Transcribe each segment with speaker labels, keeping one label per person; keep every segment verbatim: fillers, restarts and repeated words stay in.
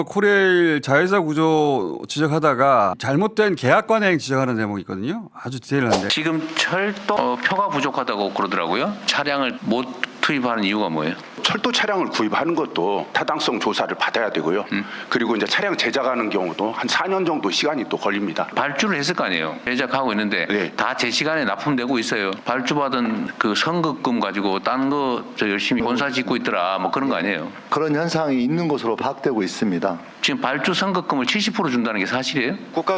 Speaker 1: 코레일 자회사 구조 지적하다가 잘못된 계약 관행 지적하는 대목이 있거든요. 아주 디테일한데.
Speaker 2: 지금 철도 어, 표가 부족하다고 그러더라고요. 차량을 못 투입하는 이유가 뭐예요?
Speaker 3: 철도 차량을 구입하는 것도 타당성 조사를 받아야 되고요.
Speaker 2: 음.
Speaker 3: 그리고 이제 차량 제작하는 경우도 한 사 년 정도 시간이 또 걸립니다.
Speaker 2: 발주를 했을 거 아니에요. 제작하고 있는데
Speaker 3: 네.
Speaker 2: 다 제 시간에 납품되고 있어요. 발주받은 그 선급금 가지고 딴 거 저 열심히 본사 짓고 있더라 뭐 그런 거 아니에요.
Speaker 4: 그런 현상이 있는 것으로 파악되고 있습니다.
Speaker 2: 지금 발주 선급금을 칠십 퍼센트 준다는 게 사실이에요?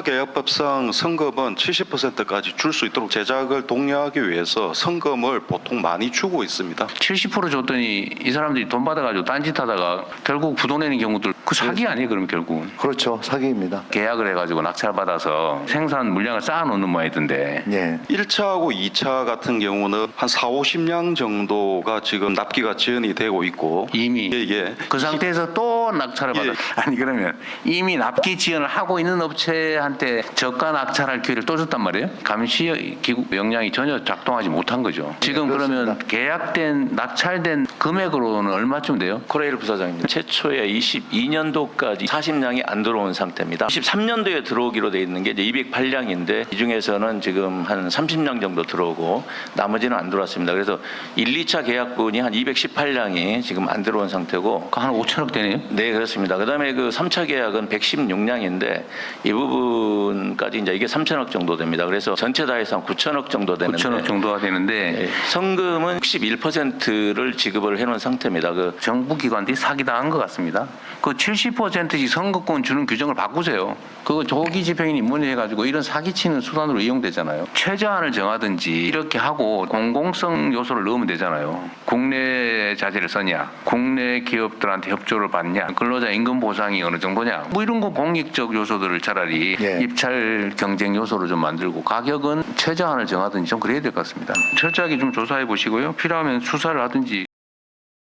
Speaker 5: 국가계약법상 성금은 칠십 퍼센트까지 줄 수 있도록 제작을 독려하기 위해서 성금을 보통 많이 주고 있습니다.
Speaker 2: 칠십 퍼센트 줬더니 이 사람들이 돈 받아가지고 딴짓하다가 결국 부도 내는 경우들 그 사기 아니에요? 그럼 결국은
Speaker 4: 그렇죠. 사기입니다.
Speaker 2: 계약을 해가지고 낙찰받아서 생산 물량을 쌓아놓는 모양이던데.
Speaker 4: 예.
Speaker 5: 일 차하고 이 차 같은 경우는 한 사오십 량 정도가 지금 납기가 지연이 되고 있고
Speaker 2: 이미
Speaker 5: 예, 예.
Speaker 2: 그 상태에서 또 낙찰을 받아.
Speaker 5: 예.
Speaker 2: 아니 그러면 이미 납기 지연을 하고 있는 업체한테 저가 낙찰할 기회를 또 줬단 말이에요? 감시 기구 역량이 전혀 작동하지 못한 거죠. 지금 그러면
Speaker 4: 그렇습니다.
Speaker 2: 계약된 낙찰된 금액으로는 얼마쯤 돼요?
Speaker 6: 코레일 부사장입니다. 최초에 이십이 년도까지 사십 량이 안 들어온 상태입니다. 이십삼 년도에 들어오기로 돼 있는 게 이제 이백팔 량인데 이 중에서는 지금 한 삼십 량 정도 들어오고 나머지는 안 들어왔습니다. 그래서 일, 이 차 계약분이 한 이백십팔 량이 지금 안 들어온 상태고
Speaker 2: 한 오천억 되네요?
Speaker 6: 네, 그렇습니다. 그다음에 그 삼 차 계약은 백십육 량인데 이 부분까지 이제 이게 삼천억 정도 됩니다. 그래서 전체 다 해서 한 구천억 정도 되는데
Speaker 2: 구천억 정도가 되는데
Speaker 6: 예, 성금은 육십일 퍼센트를 지급을 해놓은 상태입니다. 그
Speaker 2: 정부 기관들이 사기당한 것 같습니다. 그 칠십 퍼센트씩 선거권 주는 규정을 바꾸세요. 그거 조기 집행인 입문해가지고 이런 사기치는 수단으로 이용되잖아요. 최저한을 정하든지 이렇게 하고 공공성 요소를 넣으면 되잖아요. 국내 자재를 써냐, 국내 기업들한테 협조를 받냐, 근로자 임금 보상이 어느 정도냐, 뭐 이런 거 공익적 요소들을 차라리
Speaker 4: 예.
Speaker 2: 입찰 경쟁 요소로 좀 만들고 가격은 최저한을 정하든지 좀 그래야 될 것 같습니다. 철저하게 좀 조사해 보시고요. 필요하면 수사를 하든지.